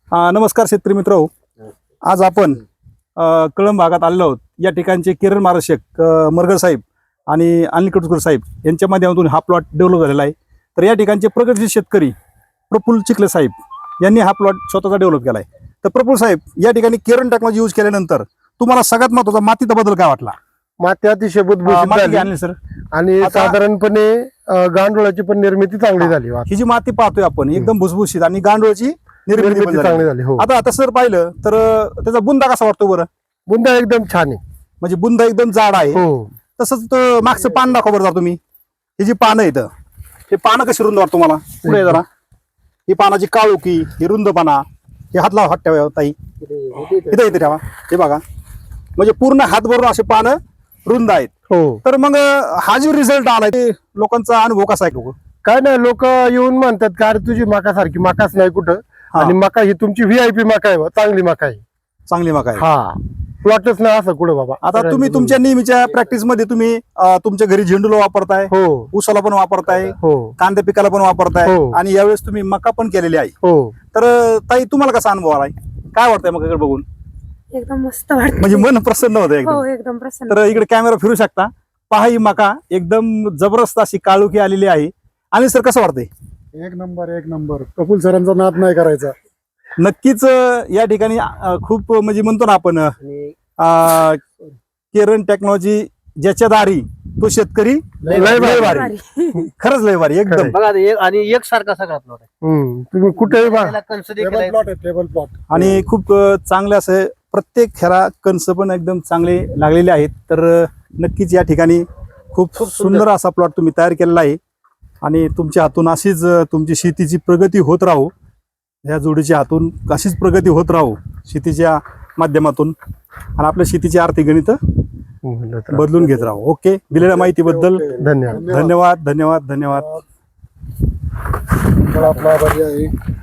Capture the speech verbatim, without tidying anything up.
अ, नमस्कार शेतकरी मित्र, आज आपण अ, कळंब भागात आलेलो आहोत. या ठिकाणचे किरण मार्गदर्शक अ, मरगर साहेब आणि अनिल कटुरकर साहेब यांच्या माध्यमातून हा प्लॉट डेव्हलप झालेला आहे. तर या ठिकाणचे प्रगतशील शेतकरी प्रफुल्ल चिखले साहेब यांनी हा प्लॉट स्वतःचा डेव्हलप केला आहे. तर प्रफुल्ल साहेब, या ठिकाणी किरण टेक्नॉलॉजी यूज केल्यानंतर तुम्हाला सगळ्यात महत्त्वाचा मातीचा बदल काय वाटला? माती अतिशय अ, बुधबुशीत माती झाली घ्या अनिल सर. आणि आता- साधारणपणे अ, गांडुळाची पण निर्मिती चांगली झाली. ही जी माती पाहतोय आपण एकदम भुसभुशीत आणि गांडूळची निर्मिती पण निर्मिती झाली. चांगली झाली. हो, आता तसं जर पाहिलं तर अ, त्याचा बुंदा कसा वाटतो बरं? बुंदा एकदम छान आहे. म्हणजे बुंदा एकदम जाड आहे. हो, तसंच तो मागचं पान दाखवा बरं जरा तुम्ही. ही जी पानं आहेत हे पानं कशी रुंद वाटतं तुम्हाला? पुढे ये जरा. ही पानाची काळोखी, ही रुंदपणा, हे हात लावा, हात ठेवा ताई, इथे इथे ठेवा. हे बघा, म्हणजे पूर्ण हात भरून असे पानं रुंद आहेत. हो. तर मग अं, हा जो रिझल्ट आलाय ते लोकांचा अनुभव कसा आहे? लोक काय नाही, लोक येऊन म्हणतात का अरे तुझी मका सारखी मकाच नाही कुठं, हा. आणि मका ही तुमची व्हीआयपी मका आहे बा, चांगली मका आहे. चांगली मका आहे. हा, प्लॉटच नाही असं कुठं बाबा. आता तुम्ही तुमच्या नेहमीच्या प्रॅक्टिस मध्ये तुम्ही अं, तुमच्या घरी झेंडूला वापरताय, हो ऊसाला पण वापरताय, हो कांद्या पिकाला पण वापरताय, हो. आणि यावेळेस तुम्ही मका पण केलेली आहे. हो. तर अं, ताई, तुम्हाला कसा अनुभव आलाय? काय वाटतंय मकाकडे बघून? एकदम मस्त वाटत. म्हणजे मन प्रसन्न होतं एकदम. हो, एकदम प्रसन्न. तर इकडे कॅमेरा फिरू शकता, पहा ही मका एकदम जबरदस्त अशी काळोखी आलेली आहे. आणि सर, कसं वाटतंय? एक नंबर एक नंबर. प्रफुल्ल सरांचा नाद नाही करायचा. नक्कीच अं, या ठिकाणी अं, खूप म्हणजे म्हणतो ना आपण अं, किरण टेक्नॉलॉजी ज्याच्या दारी तो शेतकरी लय लय भारी. भारी. खरंच लय भारी एकदम. खरंय. बघा ते एक आणि एक सारखा सगळा प्लॉट आहे. हम्म. तुम्ही कुठेही बा त्याला कंस देखील टेबल आहे. प्लॉट आहे, टेबल प्लॉट. आणि खूप अं, चांगले असे प्रत्येक ह्याला कणस पण एकदम चांगले लागलेले आहेत. तर अं, नक्कीच या ठिकाणी खूप खूप सुंदर. सुंदर असा प्लॉट तुम्ही तयार केलेला आहे. आणि तुमच्या हातून अशीच अं, तुमची शेतीची प्रगती होत राहू, ह्या जोडीच्या हातून अशीच प्रगती होत राहू शेतीच्या माध्यमातून, आणि आपल्या शेतीची आर्थिक गणित बदलून घेत राहू. ओके, दिलेल्या माहितीबद्दल ओके. धन्यवाद. धन्यवाद धन्यवाद धन्यवाद. मला आपला आभारी आहे.